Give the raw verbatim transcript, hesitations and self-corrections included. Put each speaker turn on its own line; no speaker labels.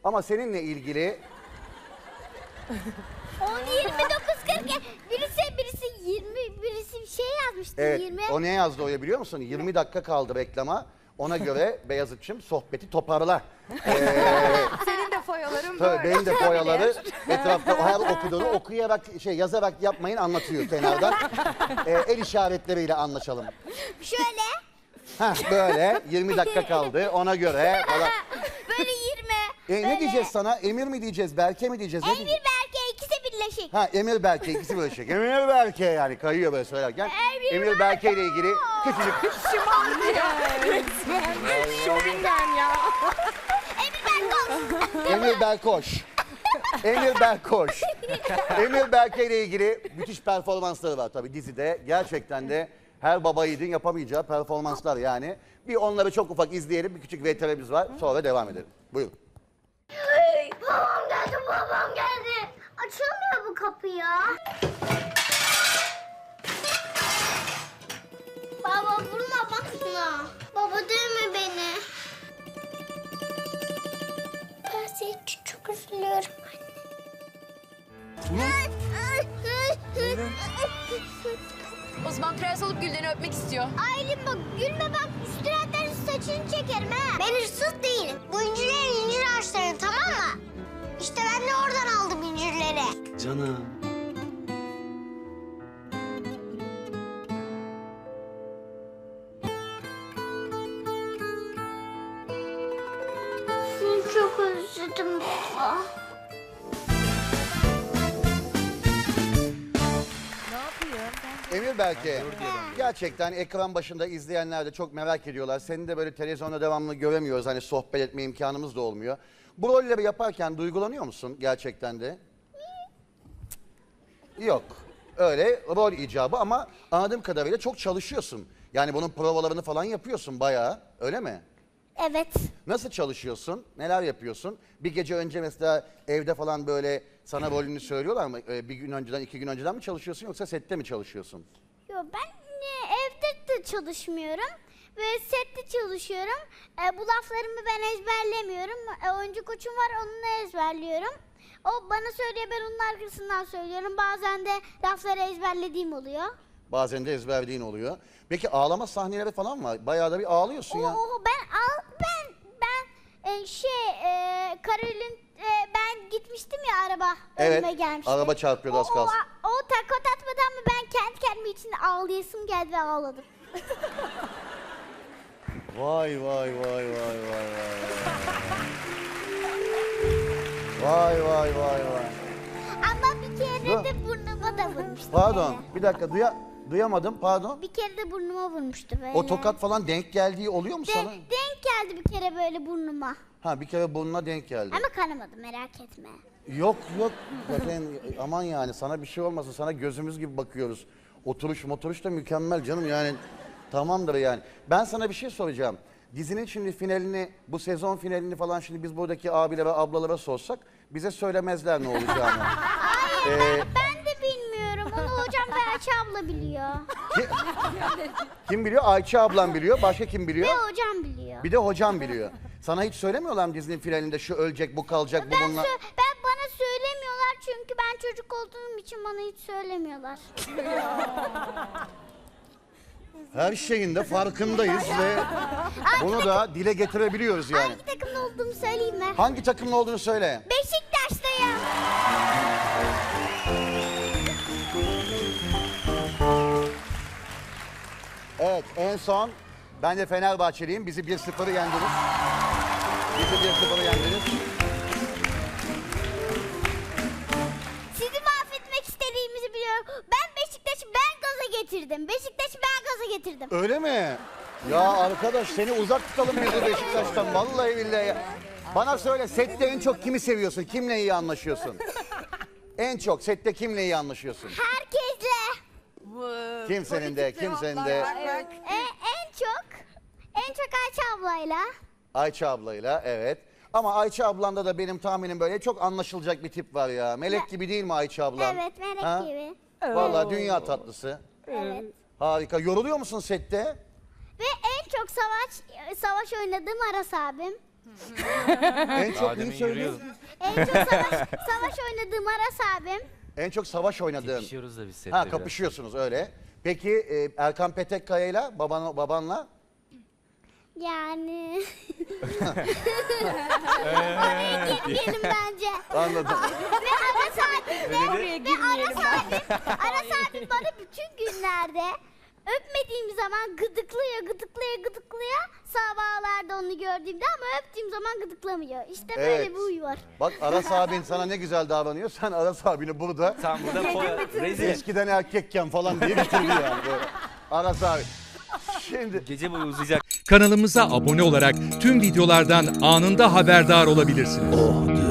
Ama seninle ilgili...
on yirmi dokuz kırk birisi birisi yirmi birisi bir şey yazmıştı.
Evet,
yirmi.
o ne yazdı oraya biliyor musun? yirmi dakika kaldı reklama. Ona göre Beyazıt'cığım sohbeti toparla. Ee,
Senin de foyaların
tabii
böyle.
benim de foyaları etrafta her okuduğunu okuyarak, şey yazarak yapmayın, anlatıyor kenardan. Ee, el işaretleriyle anlaşalım.
Şöyle.
Heh, böyle yirmi dakika kaldı ona göre falan.
Böyle yirmi.
E,
böyle.
ne diyeceğiz sana? Emir mi diyeceğiz, Berke mi diyeceğiz? Ne
Emir
diyeceğiz?
Berke ikisi birleşik.
Ha, Emir Berke ikisi birleşik. Emir Berke yani kayıyor böyle söylerken.
Emir
Emir Berke ile ilgili küçücük...
Şovingen ya.
Emir Berke.
Emir Berkoş. Emir Berkoş. Emir Berke ile ilgili müthiş performansları var tabii dizide. Gerçekten de her baba yiğidin yapamayacağı performanslar yani. Bir onları çok ufak izleyelim. Bir küçük V T R'miz var. Sonra devam edelim. Buyurun.
Hey, babam geldi, babam geldi. Açılmıyor bu kapı ya. Baba vurma bak şuna. Baba dövme beni. Ben senin için çok üzülüyorum anne.
O zaman prens olup Gülden'i öpmek istiyor.
Aylin bak gülme bak üstüne atarız saçını çekerim ha. Ben hırsız değilim. Bu incirlerin incir ağaçları tamam mı? İşte ben de oradan aldım incirleri.
Canım.
Seni çok özledim baba.
Emir Berke, gerçekten ekran başında izleyenler de çok merak ediyorlar. Seni de böyle televizyonda devamlı göremiyoruz. Hani sohbet etme imkanımız da olmuyor. Bu rolleri yaparken duygulanıyor musun gerçekten de? Yok. Öyle rol icabı ama anladığım kadarıyla çok çalışıyorsun. Yani bunun provalarını falan yapıyorsun bayağı. Öyle mi?
Evet.
Nasıl çalışıyorsun? Neler yapıyorsun? Bir gece önce mesela evde falan böyle sana rolünü söylüyorlar mı? Ee, Bir gün önceden, iki gün önceden mi çalışıyorsun yoksa sette mi çalışıyorsun?
Yo ben e, evde de çalışmıyorum ve sette çalışıyorum. E, bu laflarımı ben ezberlemiyorum. E, oyuncu koçum var onunla ezberliyorum. O bana söylüyor ben onun arkasından söylüyorum. Bazen de lafları ezberlediğim oluyor.
Bazen de ezberliğin oluyor. Peki ağlama sahneleri falan var. Bayağı da bir ağlıyorsun ya.
Oo, ben al ben ben e, şey e, Karolin e, ben gitmiştim ya araba
Evet,
önüme gelmişti.
araba çarpıyordu az
O-
kalsın.
O, o takot atmadan mı ben kendi kendime içinde ağlayasım geldi ve ağladım.
Vay vay vay vay vay vay. Vay vay vay vay.
Ama bir kere
Dur.
de burnuma da vurmuştu.
Pardon
böyle.
bir dakika duya, duyamadım pardon.
Bir kere de burnuma vurmuştu böyle.
O tokat falan denk geldiği oluyor mu
De-
sana?
denk geldi bir kere böyle burnuma.
Ha bir kere burnuna denk geldi.
Ama kanamadı merak etme.
Yok yok zaten aman yani sana bir şey olmasın sana gözümüz gibi bakıyoruz. Oturuş motoruş da mükemmel canım yani tamamdır yani. Ben sana bir şey soracağım. Dizinin şimdi finalini bu sezon finalini falan şimdi biz buradaki abilere ablalara sorsak bize söylemezler ne olacağını.
Hayır
Ee,
ben, ben de bilmiyorum. Onu hocam ve Ayça abla biliyor.
Ki- kim biliyor? Ayça ablam biliyor. Başka kim biliyor?
Ve hocam biliyor.
Bir de hocam biliyor. Sana hiç söylemiyorlar mı dizinin finalinde şu ölecek bu kalacak bu
Ben,
bununla?
sö- ben bana söylemiyorlar çünkü ben çocuk olduğum için bana hiç söylemiyorlar.
Her şeyin de farkındayız ve bunu da dile getirebiliyoruz yani.
Hangi takımda olduğumu söyleyeyim mi?
Hangi takımın olduğunu söyle.
Beşiktaş'tayım.
Evet en son ben de Fenerbahçeliyim. Bizi bir sıfır yendiniz. Bizi bir sıfır yendiniz.
Sizi mahvetmek istediğimizi biliyorum. Ben Beşiktaş'ı ben gaza getirdim. Beşiktaş'ı ben gaza getirdim.
Öyle mi? Ya arkadaş seni uzak tutalım bizi Beşiktaş'tan. Vallahi billahi. Bana söyle sette en çok kimi seviyorsun? Kimle iyi anlaşıyorsun? En çok sette kimle iyi anlaşıyorsun?
Herkesle.
Kimsenin de, kimsenin de.
E, en çok, en çok Ayça ablayla.
Ayça ablayla evet. Ama Ayça ablanda da benim tahminim böyle çok anlaşılacak bir tip var ya. Melek gibi değil mi Ayça ablan?
Evet, melek
Ha?
gibi.
Vallahi dünya tatlısı.
Evet.
Harika. Yoruluyor musun sette?
Ve en çok savaş savaş oynadığım Aras abim.
En çok
Daha
neyi
demin
söylüyorsun?
yürüyordun.
En çok savaş, savaş oynadığım Aras abim.
En çok savaş oynadığın.
Kapışıyoruz da biz sette
Ha
biraz.
kapışıyorsunuz öyle. Peki e, Erkan Petekkaya'yla baban, babanla?
Yani... Oraya girmeyelim bence.
Anladım.
Ve Aras abim de,
Oraya
ve
girmeyelim.
Aras abim, Aras abim bana bütün günlerde öpmediğim zaman gıdıklıyor, gıdıklıyor, gıdıklıyor. Sabahlarda onu gördüğümde ama öptüğüm zaman gıdıklamıyor. İşte böyle
Evet.
bir huy var.
Bak Aras abin sana ne güzel davranıyor. Sen Aras abini burada
Tam burada foya. Rezil.
eskiden erkekken falan diye bitirdi yani. Böyle. Aras abi. Şimdi
Gece boyu uzayacak.
Kanalımıza abone olarak tüm videolardan anında haberdar olabilirsiniz.